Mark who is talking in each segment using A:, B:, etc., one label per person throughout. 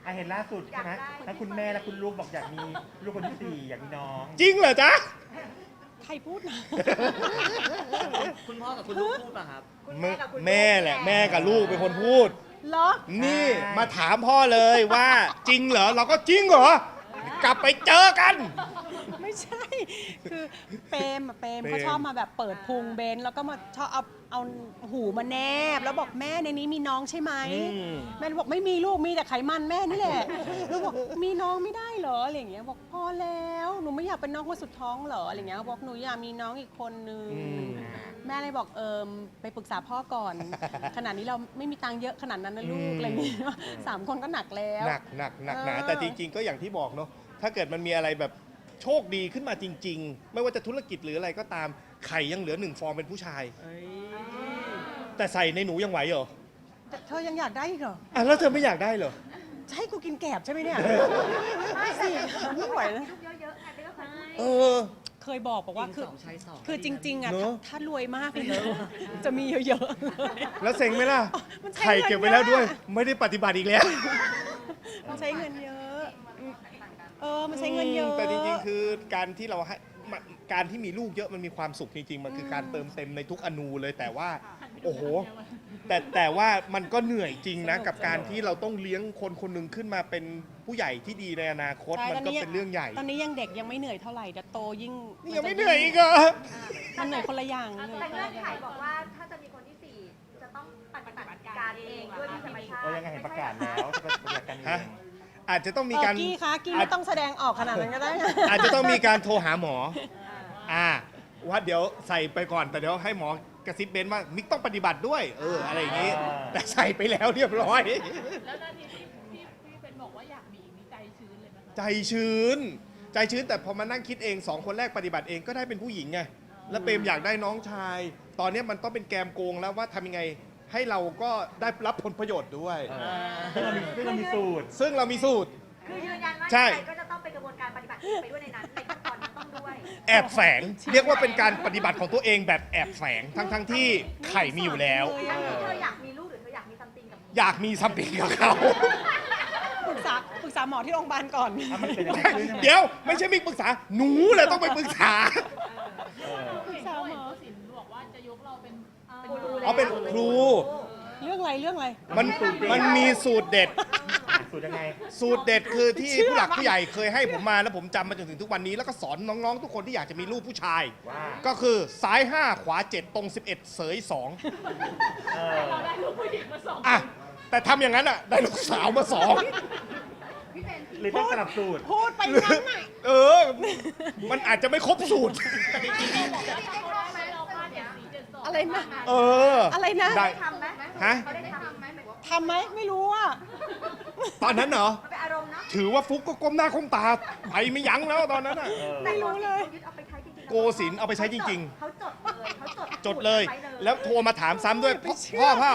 A: เห็นล่าสุดใช่ไหมทั้งคุณแม่และคุณลูกบอกอยากมีลูกคนที่4อยากมีน้อง
B: จริงเหรอจ๊ะ
C: ใครพูดนะ
D: คุณพ่อกับคุณลูกพูดป่ะครับ
E: คุณแม่กับคุณ
B: แม่แหละแม่กับลูกเป็นคนพูด
C: เหรอ
B: นี่มาถามพ่อเลยว่าจริงเหรอเราก็จริงเหรอ กลับไปเจอกัน
C: ไม่ใช่ คือเปรม
B: เปรม
C: เขาชอบมาแบบเปิดพุงเบนแล้วก็มาชอบเอาหูมาแนบ แล้วบอกแม่ในนี้มีน้องใช่ไหม แม่บอกไม่มีลูกมีแต่ไขมันแม่นี่แหละแล้วบอกมีน้องไม่ได้เหรออะไรอย่างเงี้ยบอกพอแล้วหนูไม่อยากเป็นน้องคนสุดท้องเหรออะไรอย่างเงี้ยบอกหนูอยากมีน้องอีกคนนึงแม่เลยบอกไปปรึกษาพ่อก่อน ขนาดนี้เราไม่มีตังค์เยอะขนาดนั้นนะลูกอะไรอย่างเงี้ย3 คนก็หนักแล้ว
B: หนักหนาแต่จริงๆ ก็อย่างที่บอกเนาะถ้าเกิดมันมีอะไรแบบโชคดีขึ้นมาจริง ๆ ไม่ว่าจะธุรกิจหรืออะไรก็ตามไข่ยังเหลือ1 ฟองเป็นผู้ชาย แต่ใส่ในหนูยังไหวเหรอ
C: แต่เธอยังอยากได้อีกเหรอ
B: อ่ะแล้วเธอไม่อยากได้เหรอ
C: จะให้กูกินแกบใช่ไหมเนี่ยสิไม่ไหวนะ
E: ลูกเยอะๆไงไม่ต้องพูด
B: เออ
C: เคยบอกว่าคือ
D: 2 ใช้ 2
C: คือจริง ๆอ่ะ
B: เนอะ
C: ถ้ารวยมากเลยนะจะมีเยอะๆเลย
B: แล้วเซ็งไหมล่ะ
C: มันใช้
B: ไข่เก็บไว้แล้วด้วย
C: เงินเยอะ
B: ไม่ได้ปฏิบัติอีกแล้ว
C: มันใช้เงินเยอะ มันใช้เงินเยอะ
B: แต่จริงๆ คือการที่เราให้การที่มีลูกเยอะมันมีความสุขจริงๆ มันคือการเติมเต็มในทุกอนูเลยแต่ว่า โอ้โห แต่ว่ามันก็เหนื่อยจริงนะ กับการที่เราต้องเลี้ยงคนคนหนึ่งขึ้นมาเป็นผู้ใหญ่ที่ดีในอนาคต
C: ใช่
B: มันก็เป็นเรื่องใหญ่
C: ตอนนี้ยังเด็กยังไม่เหนื่อยเท่าไหร่แต่โตยิ่ง
B: นี่ยังไม่เหนื่อยอีกเหรอ
C: มันเหนื่อยคนละอย่างเหนื่อย
E: แต่
C: คน
E: เงื่อ
C: ละ
E: น
C: อ
E: ไข
C: ย่าง
E: บอกว่าถ้าจะมีคนที่4จะต้องปฏิบัติการเองด้วยธรรมชาติ
A: ยังไงเห็นประกาศแล้วจะปฏิบัติการเอ
B: ฮะ
A: ง
B: อาจจะต้องมีการ
C: กี้คะกี้ไม่ต้องแสดงออกขนาดนั้นก็ได้
B: อาจจะต้องมีการโทรหาหมอ ว่าเดี๋ยวใส่ไปก่อนแต่เดี๋ยวให้หมอกระซิบเบนว่ามิกต้องปฏิบัติด้วย อะไรอย่างนี้ แต่ใส่ไปแล้วเรียบร้อย
F: แล้วนาทีที่เป็นบอกว่าอยากมีอีกนี่ใจชื้นเลยไหมคะ
B: ใจชื้น ใจชื้นแต่พอมานั่งคิดเอง2 คนแรกปฏิบัติเองก็ได้เป็นผู้หญิงไง แล้วเปรมอยากได้น้องชาย ตอนนี้มันต้องเป็นแกมโกงแล้วว่าทำยังไงให้เราก็ได้รับผลประโยชน์ด้วย
A: ซึ่งเรามีสูตร
B: ซึ่งเรามีสูตร
E: คือยืนยันว่า
B: ใช่
E: ใครก็จะต้องเป็นกระบวนการปฏิบัติไปด้วยในนั้นในขั้นตอนนั้นต้องด้วย
B: แอบแฝง เรียกว่าเป็นการปฏิบัติของตัวเองแบบแอบแฝงทั้งที่ไข่มีอยู่แล้ว
E: อันนี้เธออยากมีลูกหรือเธออยากมีซัมติงกับ
B: อยากมีซัมติงกับเขา
C: ปรึกษาหมอที่โรงพยาบาลก่อน
A: มันเป็นยังไงขึ้นใช่ไหม
B: เดี๋ยวไม่ใช่มิกปรึกษา หนูแหละต้องไปปรึกษา
C: ปรึกษาหมอ
F: สินบอกว่าจะยกเราเป็น
B: อ๋อเป็นครู
C: เรื่องอะไร
B: มันมีสูตรเด็ด
A: สูตรยังไง
B: สูตรเด็ดคือที่ผู้หลักผู้ใหญ่เคยให้ผมมาแล้วผมจำมาจนถึงทุกวันนี้ แล้วก็สอนน้องๆ ทุกคนที่อยากจะมีลูกผู้ชาย
A: ว่า
B: ก็คือซ้าย 5 ขวา 7 ตรง 11 เสย
F: เราได้ลูกผู้หญิงมา2
B: 2 อ่ะ แต่ทำอย่างนั้นอ่ะ ได้ลูกสาวมา
A: หรือต้องสลับสูตร
C: พูดไปงั้นน่ะ
B: 2 มันอาจจะไม่ครบสูตร
F: เราพลาดอย่าง4 7 2
C: อะไรนะ
B: เออ
C: อะไรนะ
B: ได้
E: ทำไหม
B: ฮะ
E: เขาได้ทำไหมหมายว่า
C: ทำไหมไม่รู้อ่ะ
B: ตอนนั้นเหรอ
E: มันเป็นอารมณ์เนาะ
B: ถือว่าฟุกก็ก้มหน้าก้มตาไปไม่ยั้งแล้วตอนนั้นอ่ะ
C: ไม่รู้เลย
E: ยึดเอาไปใช้จริงๆ
B: โกศิลป์เอาไปใช้จริง
E: เขาจดเลยเขาจด
B: ๆ จดเลย
E: ไว้
B: แล้วโทรมาถามซ้ำด้วย
C: ไม่เชื่อ
B: พ่อ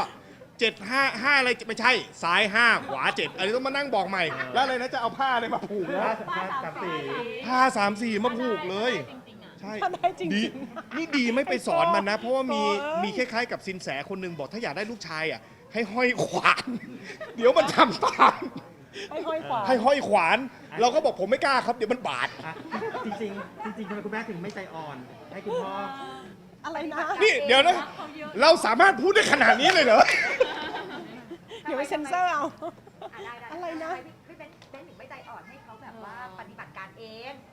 B: 7 5 อะไรไม่ใช่ ซ้าย 5 ขวา 7อะไรต้องมานั่งบอกใหม่ แล้วอะไรนะจะเอาผ้าอะไรมาผูกนะ
A: ผ้าสามสี
B: ผ้า3 4 มาผูกเลย
F: จริงๆอ่ะ
B: ใช่
C: ทำได้จริงๆ
B: ดีนี่ดีไม่ไปสอนมันนะ เพราะว่ามี
C: โอ้ย
B: มีคล้ายๆกับสินแสคนหนึ่งบอกถ้าอยากได้ลูกชายอ่ะให้ห้อยขวาน เดี๋ยวมันทำตาม
C: ให้ห้อยขวา
B: ให้ห้อยขวาน เราก็บอกผมไม่กล้าครับเดี๋ยวมันบาด
A: อ่ะจริงๆทำไมคุณแม่ถึงไม่ใจอ่อน ให้คุณพ่อ
C: อะไรนะ
B: นี่เดี๋ยวนะ เราสามารถพูดได้ขนาดนี้เลยเหรอ
C: เดี๋ยวไปเซ็นเซอร์เอา
E: ได้
C: อะไรนะ
E: พี่เบนถึงไม่ใจอ่อนให้เขาแบบว่าปฏิบัติการเอง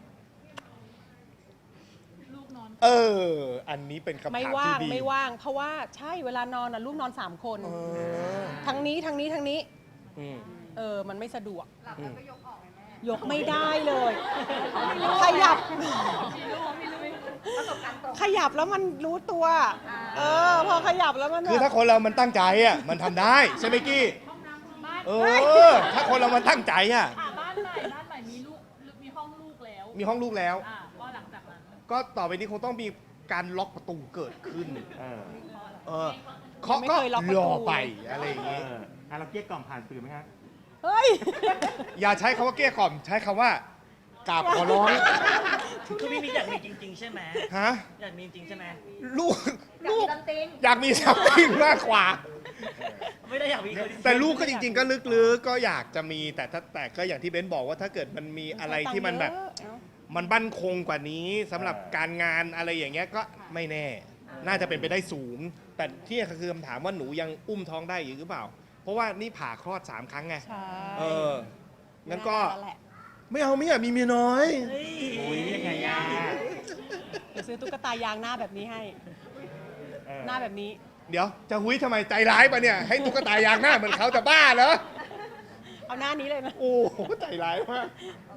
F: ลูกนอน
B: อันนี้เป็นคำถาม
C: ไม่
B: ที่
C: ว่าง
B: ดี
C: ไม่ว่าง เพราะว่าใช่เวลานอนน่ะลูกนอน3 คน
B: เออ
C: ทั้งนี้
B: อืม
C: มันไม่สะดวก
B: อืม
C: ยกไม่ได้เลย ขยับ
E: ประสบการณ์ตรง
C: ขยับแล้วมันรู้ตัว พอขยับแล้วมัน
B: คือถ้าคนเรามันตั้งใจอ่ะมันทำได้ใช่ไหมกี้
F: บ้าน
B: ถ้าคนเรามันตั้งใจอ่ะ
F: บ้านใหม่มีลูกมีห้องลูกแล้ว
B: มีห้องลูกแล้ว
F: ก็หลังจากนั้น
B: ก็ต่อไปนี้คงต้องมีการล็อกประตูเกิดขึ้น
A: เออ
B: เคาะก็รอไปอะไรอย่าง
A: เอ
B: งี้
A: เราเกลี้ยกล่อมผ่านสื่อไหมครับ
C: เฮ้ย
B: อย่าใช้คำว่าเกลี้ยกล่อมใช้คำว่ากราบขอร้อง
D: คือพี่มิกอยากมีจริง ๆ ใช่ไหม
B: ฮะ
D: อยากมีจริงๆใช่ไหม
B: ลูก
E: อยาก
B: ลู
E: มี
B: ก
E: ตันติง
B: อยากมีสัมผัสมากกว่า
D: ไม่ได้อยากมีคน
B: แต่ลูกก็จริง ๆ ก็ลึกๆก็อยากจะมีแต่ก็อย่างที่เบนบอกว่าถ้าเกิดมันมีอะไรที่มันแบบ มันบั่นคงกว่านี้สำหรับการงานอะไรอย่างเงี้ยก็ไม่แน่ น่าจะเป็นไปได้สูง แต่ที่คือคำถามว่าหนูยังอุ้มท้องได้อยู่หรือเปล่า เพราะว่านี่ผ่าคลอด 3 ครั้งไง
C: ใช่
B: เอองั้นก็
C: นั่นแหละ
B: ไม่เอาไม่อยากมีเมียน้อย
D: เฮ้ย
A: อุ้ยยังไงอ่ะ
C: เดี๋ยวซื้อตุ๊กตายางหน้าแบบนี้ให้
A: เออ
C: หน้าแบบนี้
B: เดี๋ยวจะหุ้ยทำไมใจร้ายปะเนี่ย ให้ตุ๊กตายางหน้าเหมือนเขาจะบ้าเหรอ
C: เอาหน้านี้เลยนะ
B: โอ้โหใจร้ายมาก